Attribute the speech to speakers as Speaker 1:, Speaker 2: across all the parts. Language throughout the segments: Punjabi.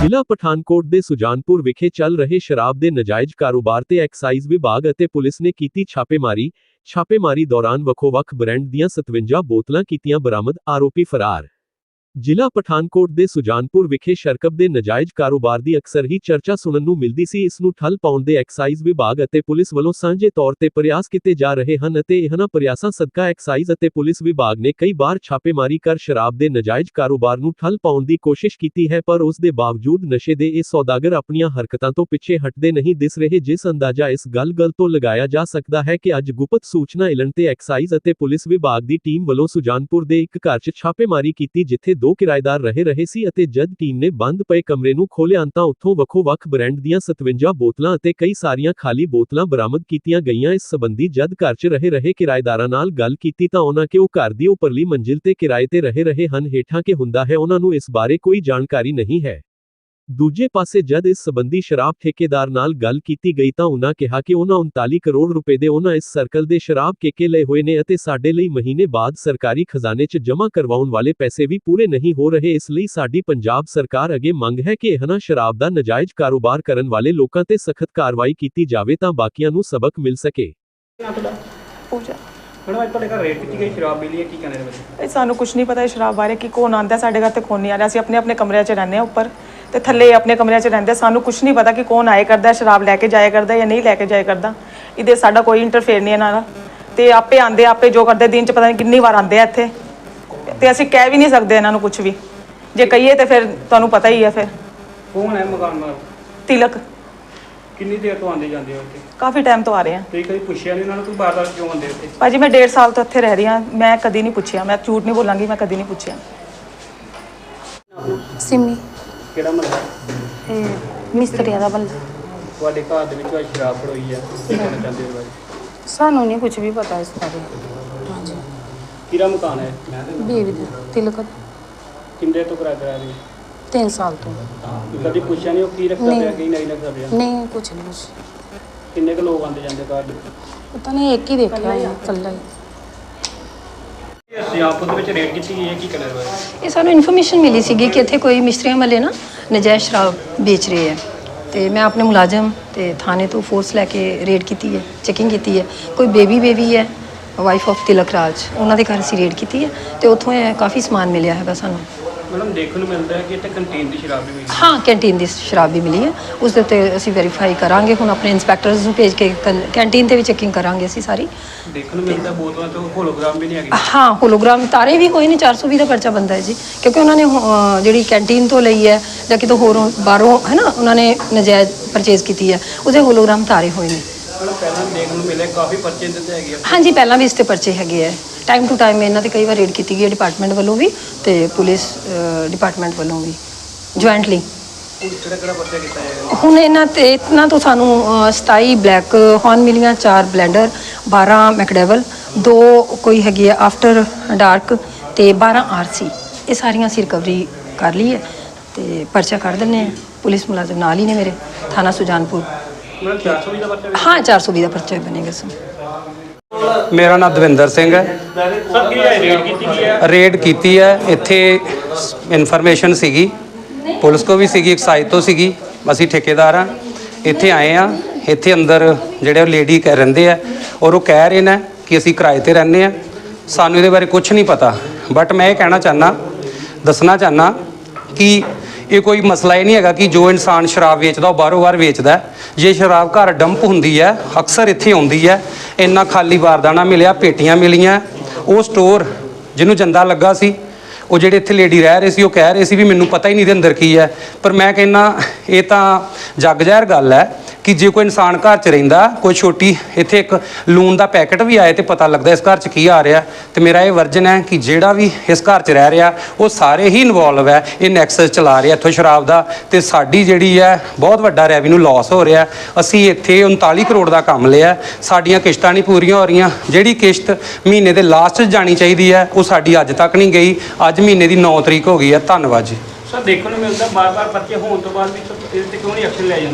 Speaker 1: ਜ਼ਿਲ੍ਹਾ ਪਠਾਨਕੋਟ ਦੇ ਸੁਜਾਨਪੁਰ ਵਿਖੇ ਚੱਲ ਰਹੇ ਸ਼ਰਾਬ ਦੇ ਨਾਜਾਇਜ਼ ਕਾਰੋਬਾਰ ਤੇ ਐਕਸਾਈਜ਼ ਵਿਭਾਗ ਅਤੇ ਪੁਲਿਸ ਨੇ ਕੀਤੀ ਛਾਪੇਮਾਰੀ ਦੌਰਾਨ ਵੱਖੋ-ਵੱਖ ਬ੍ਰਾਂਡ ਦੀਆਂ 57 ਬੋਤਲਾਂ ਕੀਤੀਆਂ ਬਰਾਮਦ, ਆਰੋਪੀ ਫਰਾਰ। ਜ਼ਿਲ੍ਹਾ ਪਠਾਨਕੋਟ ਦੇ ਸੁਜਾਨਪੁਰ ਵਿਖੇ ਸ਼ਰਾਬ ਦੇ ਨਾਜਾਇਜ਼ ਕਾਰੋਬਾਰ ਦੀ ਅਕਸਰ ਹੀ ਚਰਚਾ ਸੁਣਨ ਨੂੰ ਮਿਲਦੀ ਸੀ। ਇਸ ਨੂੰ ਠੱਲ ਪਾਉਣ ਦੇ ਐਕਸਾਈਜ਼ ਵਿਭਾਗ ਅਤੇ ਪੁਲਿਸ ਵੱਲੋਂ ਸਾਂਝੇ ਤੌਰ ਤੇ ਪ੍ਰਯਾਸ ਕੀਤੇ ਜਾ ਰਹੇ ਹਨ ਅਤੇ ਇਹਨਾਂ ਪ੍ਰਯਾਸਾਂ ਸਦਕਾ ਐਕਸਾਈਜ਼ ਅਤੇ ਪੁਲਿਸ ਵਿਭਾਗ ਨੇ ਕਈ ਵਾਰ ਛਾਪੇਮਾਰੀ ਕਰ ਸ਼ਰਾਬ ਦੇ ਨਾਜਾਇਜ਼ ਕਾਰੋਬਾਰ ਨੂੰ ਠੱਲ ਪਾਉਣ ਦੀ ਕੋਸ਼ਿਸ਼ ਕੀਤੀ ਹੈ, ਪਰ ਉਸ ਦੇ ਬਾਵਜੂਦ ਨਸ਼ੇ ਦੇ ਇਹ ਸੌਦਾਗਰ ਆਪਣੀਆਂ ਹਰਕਤਾਂ ਤੋਂ ਪਿੱਛੇ ਹਟਦੇ ਨਹੀਂ ਦਿਸ ਰਹੇ, ਜਿਸ ਅੰਦਾਜ਼ਾ ਇਸ ਗੱਲ ਤੋਂ ਲਗਾਇਆ ਜਾ ਸਕਦਾ ਹੈ ਕਿ ਅੱਜ ਗੁਪਤ ਸੂਚਨਾ ਮਿਲਣ ਤੇ ਐਕਸਾਈਜ਼ ਅਤੇ ਪੁਲਿਸ ਵਿਭਾਗ ਦੀ ਟੀਮ ਵੱਲੋਂ ਸੁਜਾਨਪੁਰ ਦੇ ਇੱਕ ਘਰ 'ਚ ਛਾਪੇਮਾਰੀ ਕੀਤੀ, ਜਿੱਥੇ 2 ਕਿਰਾਏਦਾਰ ਰਹਿ ਰਹੇ ਸੀ ਅਤੇ ਜਦ ਟੀਮ ਨੇ ਬੰਦ ਪਏ ਕਮਰੇ ਨੂੰ ਖੋਲ੍ਹਿਆ ਤਾਂ ਉੱਥੋਂ ਵੱਖੋ-ਵੱਖ ਬ੍ਰਾਂਡ ਦੀਆਂ 57 ਬੋਤਲਾਂ ਅਤੇ ਕਈ ਸਾਰੀਆਂ ਖਾਲੀ ਬੋਤਲਾਂ ਬਰਾਮਦ ਕੀਤੀਆਂ ਗਈਆਂ। ਇਸ ਸੰਬੰਧੀ ਜਦ ਘਰ 'ਚ ਰਹਿ ਰਹੇ ਕਿਰਾਏਦਾਰਾਂ ਨਾਲ ਗੱਲ ਕੀਤੀ ਤਾਂ ਉਹਨਾਂ ਕਿ ਉਹ ਘਰ ਦੀ ਉੱਪਰਲੀ ਮੰਜ਼ਿਲ ਤੇ ਕਿਰਾਏ ਤੇ ਰਹਿ ਰਹੇ ਹਨ, ਹੇਠਾਂ ਕੀ ਹੁੰਦਾ ਹੈ ਉਹਨਾਂ ਨੂੰ ਇਸ ਬਾਰੇ ਕੋਈ ਜਾਣਕਾਰੀ ਨਹੀਂ ਹੈ। ਦੂਜੇ ਪਾਸੇ ਜਦ ਇਸ ਸੰਬੰਧੀ ਸ਼ਰਾਬ ਠੇਕੇਦਾਰ ਨਾਲ ਗੱਲ ਕੀਤੀ ਗਈ ਤਾਂ ਉਹਨਾਂ ਕਿਹਾ ਕਿ ਉਹਨਾਂ 39 ਕਰੋੜ ਰੁਪਏ ਦੇ ਉਹਨਾਂ ਇਸ ਸਰਕਲ ਦੇ ਸ਼ਰਾਬ ਠੇਕੇ ਲਏ ਹੋਏ ਨੇ ਅਤੇ ਸਾਡੇ ਲਈ ਮਹੀਨੇ ਬਾਅਦ ਸਰਕਾਰੀ ਖਜ਼ਾਨੇ 'ਚ ਜਮ੍ਹਾਂ ਕਰਵਾਉਣ ਵਾਲੇ ਪੈਸੇ ਵੀ ਪੂਰੇ ਨਹੀਂ ਹੋ ਰਹੇ। ਇਸ ਲਈ ਸਾਡੀ ਪੰਜਾਬ ਸਰਕਾਰ ਅੱਗੇ ਮੰਗ ਹੈ ਕਿ ਇਹਨਾਂ ਸ਼ਰਾਬ ਦਾ ਨਾਜਾਇਜ਼ ਕਾਰੋਬਾਰ ਕਰਨ ਵਾਲੇ ਲੋਕਾਂ ਤੇ ਸਖਤ ਕਾਰਵਾਈ ਕੀਤੀ ਜਾਵੇ ਤਾਂ ਬਾਕੀਆਂ ਨੂੰ ਸਬਕ ਮਿਲ ਸਕੇ।
Speaker 2: मैडम अज तुहाडे घर रेड की गई शराब मिली है, की कहने वाले?
Speaker 3: सानू कुछ नहीं पता शराब बारे कि कौन आंदा साडे घर ते कौन नहीं आ रहा। असीं अपने अपने कमरे 'च रहिंदे उपर ते थल्ले अपने कमरे 'च रहिंदे। सानू कुछ नहीं पता कि कौन आए करदा शराब लैके जाया करदा या नहीं लैके जाया करदा। इहदे साडा कोई इंटरफेयर नहीं इन्हां दा ते आपे आंदे आपे जो करदे। दिन 'च पता नहीं कितनी बार आंदे इत्थे ते असीं कह भी नहीं सकदे इन्हां नूं कुछ भी। जे कहिए तो फिर तुहानूं पता ही है। फिर
Speaker 2: कौन है मकान मालक?
Speaker 3: तिलक।
Speaker 2: कितनी देर तो आंदे जांदे हो उत्थे?
Speaker 3: काफ़ी टाइम तो आ रहे हैं।
Speaker 2: ते कभी पुछया नहीं उन्होंने, कोई बार-बार क्यों आंदे उत्थे?
Speaker 3: भाजी मैं 1.5 साल तो इत्थे रह रही हाँ, मैं कभी नहीं पूछया। मैं झूठ नहीं बोलांगी, मैं कभी नहीं पूछया।
Speaker 4: सिमी
Speaker 2: ਕਿਹੜਾ ਮਹੱਲਾ?
Speaker 4: मिस्त्रिया दा बल्ला।
Speaker 2: ਤੁਹਾਡੇ ਘਰ ਦੇ ਵਿੱਚ ਅੱਜ ਸ਼ਰਾਬ ਫੜੋਈ ਹੈ, ਕੀ ਕਹਿਣਾ ਚਾਹੁੰਦੇ ਹੋ ਬਾਰੇ?
Speaker 4: सानू नहीं कुछ भी पता इस बारे। हाँ जी
Speaker 2: ਕਿਹੜਾ ਮਕਾਨ ਹੈ?
Speaker 4: बीवी दा तिलक
Speaker 2: ਕਿੰਨੇ ਤੋਂ ਕਿਰਾਇਆ ਕਰਾ ਰਹੇ?
Speaker 4: 3 साल तो।
Speaker 2: ਕਦੀ ਪੁੱਛਿਆ ਨਹੀਂ ਉਹ ਕੀ ਰੱਖਦਾ
Speaker 4: ਨਹੀਂ।
Speaker 2: ਪਿਆ, ਕੀ ਨਹੀਂ ਰੱਖਦਾ ਪਿਆ?
Speaker 4: नहीं कुछ नहीं कुछ
Speaker 2: ਕਿੰਨੇ ਕੁ ਲੋਕ ਆਂਦੇ ਜਾਂਦੇ ਘਰ ਦੇ?
Speaker 4: पता नहीं, एक ही देखा है कल्ला ही।
Speaker 2: ਇਹ ਸੁਜਾਨਪੁਰ ਦੇ ਵਿੱਚ ਰੇਡ ਕੀਤੀ ਗਈ ਹੈ, ਕੀ ਕਹਿਣਾ ਬਾਰੇ?
Speaker 5: ਇਹ ਸਾਨੂੰ ਇਨਫੋਰਮੇਸ਼ਨ ਮਿਲੀ ਸੀਗੀ ਕਿ ਇੱਥੇ ਕੋਈ ਮਿਸਤਰੀਆਂ ਵਾਲੇ ਨਾ ਨਜਾਇਜ਼ ਸ਼ਰਾਬ ਵੇਚ ਰਹੇ ਹੈ ਤੇ ਮੈਂ ਆਪਣੇ ਮੁਲਾਜ਼ਮ ਤੇ ਥਾਣੇ ਤੋਂ ਫੋਰਸ ਲੈ ਕੇ ਰੇਡ ਕੀਤੀ ਹੈ, ਚੈਕਿੰਗ ਕੀਤੀ ਹੈ। ਕੋਈ ਬੇਬੀ ਹੈ ਵਾਈਫ ਆਫ ਤਿਲਕ ਰਾਜ, ਉਹਨਾਂ ਦੇ ਘਰ ਅਸੀਂ ਰੇਡ ਕੀਤੀ ਹੈ ਤੇ ਉੱਥੋਂ ਇਹ ਕਾਫੀ ਸਮਾਨ ਮਿਲਿਆ ਹੈਗਾ ਸਾਨੂੰ।
Speaker 2: ਮੈਡਮ ਦੇਖਣ ਨੂੰ ਮਿਲਦਾ ਹੈ ਕਿ ਇੱਥੇ ਕੰਟੀਨ ਦੀ ਸ਼ਰਾਬ ਵੀ ਮਿਲੀ ਹੈ।
Speaker 5: ਹਾਂ, ਕੈਂਟੀਨ ਦੀ ਸ਼ਰਾਬ ਵੀ ਮਿਲੀ ਹੈ, ਉਸ ਦੇ ਉੱਤੇ ਅਸੀਂ ਵੈਰੀਫਾਈ ਕਰਾਂਗੇ। ਹੁਣ ਆਪਣੇ ਇੰਸਪੈਕਟਰਸ ਨੂੰ ਭੇਜ ਕੇ ਕੈਂਟੀਨ ਤੇ ਵੀ ਚੈਕਿੰਗ ਕਰਾਂਗੇ ਅਸੀਂ ਸਾਰੀ।
Speaker 2: ਦੇਖਣ ਨੂੰ ਮਿਲਦਾ ਬੋਤਲਾਂ ਤੋਂ ਹੋਲੋਗ੍ਰਾਮ ਵੀ ਨਹੀਂ ਹੈਗੇ।
Speaker 5: ਹਾਂ, ਹੋਲੋਗ੍ਰਾਮ ਤਾਰੇ ਵੀ ਹੋਏ ਨੇ। 420 ਦਾ ਪਰਚਾ ਬਣਦਾ ਹੈ ਜੀ, ਕਿਉਂਕਿ ਉਹਨਾਂ ਨੇ ਜਿਹੜੀ ਕੈਂਟੀਨ ਤੋਂ ਲਈ ਹੈ ਜਾਂ ਕਿਤੋਂ ਹੋਰੋਂ ਬਾਹਰੋਂ ਹੈ ਨਾ ਉਹਨਾਂ ਨੇ ਨਜਾਇਜ਼ ਪਰਚੇਜ਼ ਕੀਤੀ ਹੈ, ਉਹਦੇ ਹੋਲੋਗ੍ਰਾਮ ਤਾਰੇ ਹੋਏ ਨੇ।
Speaker 2: ਪਹਿਲਾਂ ਦੇਖਣ ਨੂੰ ਮਿਲਿਆ ਕਾਫੀ ਪਰਚੇ ਦਿੱਤੇ ਹੈਗੇ ਆ।
Speaker 5: ਹਾਂਜੀ, ਪਹਿਲਾਂ ਵੀ ਇਸ 'ਤੇ ਪਰਚੇ ਹੈਗੇ ਹੈ। ਟਾਈਮ ਟੂ ਟਾਈਮ ਇਹਨਾਂ 'ਤੇ ਕਈ ਵਾਰ ਰੇਡ ਕੀਤੀ ਗਈ ਹੈ, ਡਿਪਾਰਟਮੈਂਟ ਵੱਲੋਂ ਵੀ ਤੇ ਪੁਲਿਸ ਡਿਪਾਰਟਮੈਂਟ ਵੱਲੋਂ ਵੀ ਜੁਆਇੰਟਲੀ।
Speaker 2: ਕਿਹੜਾ ਪਰਚਾ ਕੀਤਾ ਜਾਏਗਾ
Speaker 5: ਹੁਣ ਇਹਨਾਂ ਤੋਂ ਸਾਨੂੰ 27 ਬਲੈਕ ਹੌਰਨ ਮਿਲੀਆਂ, 4 ਬਲੈਂਡਰ, 12 ਮੈਕਡੇਵਲ, 2 ਕੋਈ ਹੈਗੀ ਹੈ ਆਫਟਰ ਡਾਰਕ ਤੇ 12 RC। ਇਹ ਸਾਰੀਆਂ ਅਸੀਂ ਰਿਕਵਰੀ ਕਰ ਲਈ ਹੈ ਤੇ ਪਰਚਾ ਕੱਢ ਦਿੰਦੇ ਹਾਂ। ਪੁਲਿਸ ਮੁਲਾਜ਼ਮ ਨਾਲ ਹੀ ਨੇ ਮੇਰੇ, ਥਾਣਾ ਸੁਜਾਨਪੁਰ।
Speaker 2: ਮਤਲਬ 420 ਦਾ ਪਰਚਾ?
Speaker 5: ਹਾਂ, 420 ਦਾ ਪਰਚਾ ਬਣੇਗਾ ਸਰ।
Speaker 6: ਮੇਰਾ ਨਾਮ ਦਵਿੰਦਰ ਸਿੰਘ ਹੈ।
Speaker 2: ਸਰ ਕੀ ਰੇਡ ਕੀਤੀ ਗਈ ਹੈ?
Speaker 6: ਰੇਡ ਕੀਤੀ ਹੈ, ਇੱਥੇ ਇਨਫੋਰਮੇਸ਼ਨ ਸੀਗੀ, ਪੁਲਿਸ ਕੋ ਵੀ ਸੀਗੀ, ਐਕਸਾਈਜ਼ ਤੋਂ ਸੀਗੀ। ਅਸੀਂ ਠੇਕੇਦਾਰ ਹਾਂ, ਇੱਥੇ ਆਏ ਹਾਂ। ਇੱਥੇ ਅੰਦਰ ਜਿਹੜੇ ਲੇਡੀ ਰਹਿੰਦੇ ਆ ਔਰ ਉਹ ਕਹਿ ਰਹੇ ਨੇ ਕਿ ਅਸੀਂ ਕਿਰਾਏ ਤੇ ਰਹਿੰਦੇ ਹਾਂ, ਸਾਨੂੰ ਇਹਦੇ ਬਾਰੇ ਕੁਝ ਨਹੀਂ ਪਤਾ। ਬਟ ਮੈਂ ਇਹ ਕਹਿਣਾ ਦੱਸਣਾ ਚਾਹੁੰਦਾ ਕਿ ਇਹ ਕੋਈ ਮਸਲਾ ਹੀ ਨਹੀਂ ਹੈਗਾ ਕਿ ਜੋ ਇਨਸਾਨ ਸ਼ਰਾਬ ਵੇਚਦਾ ਉਹ ਬਾਹਰੋਂ ਬਾਹਰ ਵੇਚਦਾ। ਜੇ ਸ਼ਰਾਬ ਘਰ ਡੰਪ ਹੁੰਦੀ ਹੈ, ਅਕਸਰ ਇੱਥੇ ਆਉਂਦੀ ਹੈ। ਇੰਨਾ ਖਾਲੀ ਬਾਰਦਾਨਾ ਮਿਲਿਆ, ਪੇਟੀਆਂ ਮਿਲੀਆਂ। ਉਹ ਸਟੋਰ ਜਿਹਨੂੰ ਜੰਦਾ ਲੱਗਾ ਸੀ, ਉਹ ਜਿਹੜੇ ਇੱਥੇ ਲੇਡੀ ਰਹਿ ਰਹੇ ਸੀ, ਉਹ ਕਹਿ ਰਹੇ ਸੀ ਵੀ ਮੈਨੂੰ ਪਤਾ ਹੀ ਨਹੀਂ ਇਹਦੇ ਅੰਦਰ ਕੀ ਹੈ। ਪਰ ਮੈਂ ਕਹਿੰਦਾ ਇਹ ਤਾਂ ਜੱਗ ਜ਼ਾਹਿਰ ਗੱਲ ਹੈ ਕਿ ਜੇ ਕੋਈ ਇਨਸਾਨ ਘਰ 'ਚ ਰਹਿੰਦਾ, ਕੋਈ ਛੋਟੀ ਇੱਥੇ ਇੱਕ ਲੂਣ ਦਾ ਪੈਕਟ ਵੀ ਆਏ ਤੇ ਪਤਾ ਲੱਗਦਾ ਇਸ ਘਰ 'ਚ ਕੀ ਆ ਰਿਹਾ। ਤੇ ਮੇਰਾ ਇਹ ਵਰਜਨ ਹੈ ਕਿ ਜਿਹੜਾ ਵੀ ਇਸ ਘਰ 'ਚ ਰਹਿ ਰਿਹਾ ਉਹ ਸਾਰੇ ਹੀ ਇਨਵੋਲਵ ਹੈ, ਇਹ ਨੈਕਸਸ ਚਲਾ ਰਿਹਾ ਇੱਥੋਂ ਸ਼ਰਾਬ ਦਾ। ਤੇ ਸਾਡੀ ਜਿਹੜੀ ਹੈ ਬਹੁਤ ਵੱਡਾ ਰੈਵਨਿਊ ਲਾਸ ਹੋ ਰਿਹਾ। ਅਸੀਂ ਇੱਥੇ 39 ਕਰੋੜ ਦਾ ਕੰਮ ਲਿਆ, ਸਾਡੀਆਂ ਕਿਸ਼ਤਾਂ ਨਹੀਂ ਪੂਰੀਆਂ ਹੋ ਰਹੀਆਂ। ਜਿਹੜੀ ਕਿਸ਼ਤ ਮਹੀਨੇ ਦੇ ਲਾਸਟ 'ਚ ਜਾਣੀ ਚਾਹੀਦੀ ਹੈ ਉਹ ਸਾਡੀ ਅੱਜ ਤੱਕ ਨਹੀਂ ਗਈ। ਅੱਜ ਮਹੀਨੇ ਦੀ 9 ਤਰੀਕ ਹੋ ਗਈ ਹੈ। ਧੰਨਵਾਦ ਜੀ।
Speaker 2: ਸਰ ਦੇਖਣ ਨੂੰ ਮਿਲਦਾ ਬਾਰ-ਬਾਰ ਪਰਚੇ ਹੋਣ ਤੋਂ ਬਾਅਦ ਵੀ ਇਹਦੇ ਤੇ ਕਿਉਂ ਨਹੀਂ ਐਕਸ਼ਨ ਲਿਆ ਜਾਂਦਾ?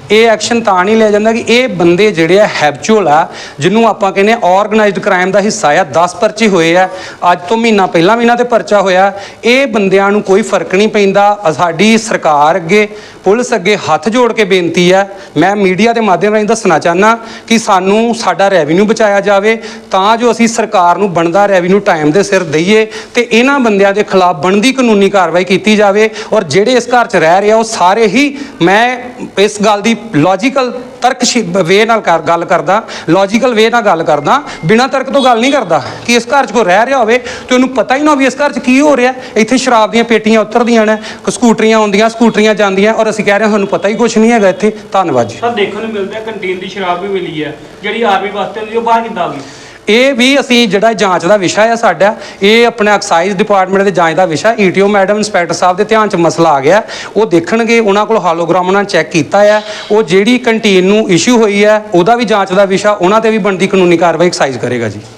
Speaker 6: ਇਹ ਐਕਸ਼ਨ ਤਾਂ ਨਹੀਂ ਲਿਆ ਜਾਂਦਾ ਕਿ ਇਹ ਬੰਦੇ ਜਿਹੜੇ ਆ ਹੈਬਚੁਅਲ ਆ, ਜਿਹਨੂੰ ਆਪਾਂ ਕਹਿੰਦੇ ਆਰਗੇਨਾਈਜ਼ਡ ਕ੍ਰਾਈਮ ਦਾ ਹਿੱਸਾ ਆ। 10 ਪਰਚੇ ਹੋਏ ਆ, ਅੱਜ ਤੋਂ ਮਹੀਨਾ ਪਹਿਲਾਂ ਵੀ ਇਹਨਾਂ ਤੇ ਪਰਚਾ ਹੋਇਆ। ਇਹ ਬੰਦਿਆਂ ਨੂੰ ਕੋਈ ਫਰਕ ਨਹੀਂ ਪੈਂਦਾ। ਸਾਡੀ ਸਰਕਾਰ ਅੱਗੇ, ਪੁਲਿਸ ਅੱਗੇ ਹੱਥ ਜੋੜ ਕੇ ਬੇਨਤੀ ਹੈ, ਮੈਂ ਮੀਡੀਆ ਦੇ ਮਾਧਿਅਮ ਰਾਹੀਂ ਦੱਸਣਾ ਚਾਹੁੰਦਾ ਕਿ ਸਾਨੂੰ ਸਾਡਾ ਰੈਵਨਿਊ ਬਚਾਇਆ ਜਾਵੇ, ਤਾਂ ਜੋ ਅਸੀਂ ਸਰਕਾਰ ਨੂੰ ਬਣਦਾ ਰੈਵਨਿਊ ਟਾਈਮ ਦੇ ਸਿਰ ਦਈਏ ਤੇ ਇਹਨਾਂ ਬੰਦਿਆਂ ਦੇ ਖਿਲਾਫ ਬਣਦੀ ਕਾਨੂੰਨੀ ਕਾਰਵਾਈ ਕੀਤੀ ਜਾਵੇ। ਔਰ ਜਿਹੜੇ ਇਸ ਘਰ 'ਚ ਰਹਿ ਰਹੇ ਆ ਉਹ ਸਾਰੇ ਹੀ, ਮੈਂ ਇਸ ਗੱਲ ਦੀ ਲੌਜੀਕਲ ਤਰਕ ਵੇ ਨਾਲ ਗੱਲ ਕਰਦਾ, ਲੌਜੀਕਲ ਵੇ ਨਾਲ ਗੱਲ ਕਰਦਾ, ਬਿਨਾਂ ਤਰਕ ਤੋਂ ਗੱਲ ਨਹੀਂ ਕਰਦਾ ਕਿ ਇਸ ਘਰ 'ਚ ਕੋਈ ਰਹਿ ਰਿਹਾ ਹੋਵੇ ਤੇ ਉਹਨੂੰ ਪਤਾ ਹੀ ਨਾ ਹੋਵੇ ਇਸ ਘਰ 'ਚ ਕੀ ਹੋ ਰਿਹਾ। ਇੱਥੇ ਸ਼ਰਾਬ ਦੀਆਂ ਪੇਟੀਆਂ ਉਤਰਦੀਆਂ ਨੇ, ਸਕੂਟਰੀਆਂ ਆਉਂਦੀਆਂ, ਸਕੂਟਰੀਆਂ ਜਾਂਦੀਆਂ, ਔਰ ਅਸੀਂ ਕਹਿ ਰਹੇ ਹਾਂ ਸਾਨੂੰ ਪਤਾ ਹੀ ਕੁਝ ਨਹੀਂ ਹੈਗਾ ਇੱਥੇ। ਧੰਨਵਾਦ ਜੀ।
Speaker 2: ਸਰ ਦੇਖਣ ਨੂੰ ਮਿਲਦਾ ਕੰਟੀਨ ਦੀ ਸ਼ਰਾਬ ਵੀ ਮਿਲੀ ਹੈ, ਜਿਹੜੀ ਆਰਮੀ ਵਾਸਤੇ ਹੁੰਦੀ ਉਹ ਬਾਹਰ ਕਿੱਦਾਂ ਆ ਗਈ?
Speaker 6: ਇਹ ਵੀ ਅਸੀਂ ਜਿਹੜਾ ਜਾਂਚ ਦਾ ਵਿਸ਼ਾ ਹੈ ਸਾਡਾ, ਇਹ ਆਪਣੇ ਐਕਸਾਈਜ਼ ਡਿਪਾਰਟਮੈਂਟ ਦੇ ਜਾਂਚ ਦਾ ਵਿਸ਼ਾ। ਈਟੀਓ ਮੈਡਮ, ਇੰਸਪੈਕਟਰ ਸਾਹਿਬ ਦੇ ਧਿਆਨ 'ਚ ਮਸਲਾ ਆ ਗਿਆ, ਉਹ ਦੇਖਣਗੇ। ਉਹਨਾਂ ਕੋਲ ਹਾਲੋਗ੍ਰਾਮ ਨਾਲ ਚੈੱਕ ਕੀਤਾ ਹੈ। ਉਹ ਜਿਹੜੀ ਕੰਟੀਨ ਨੂੰ ਇਸ਼ੂ ਹੋਈ ਹੈ ਉਹਦਾ ਵੀ ਜਾਂਚ ਦਾ ਵਿਸ਼ਾ, ਉਹਨਾਂ ਤੇ ਵੀ ਬਣਦੀ ਕਾਨੂੰਨੀ ਕਾਰਵਾਈ ਐਕਸਾਈਜ਼ ਕਰੇਗਾ ਜੀ।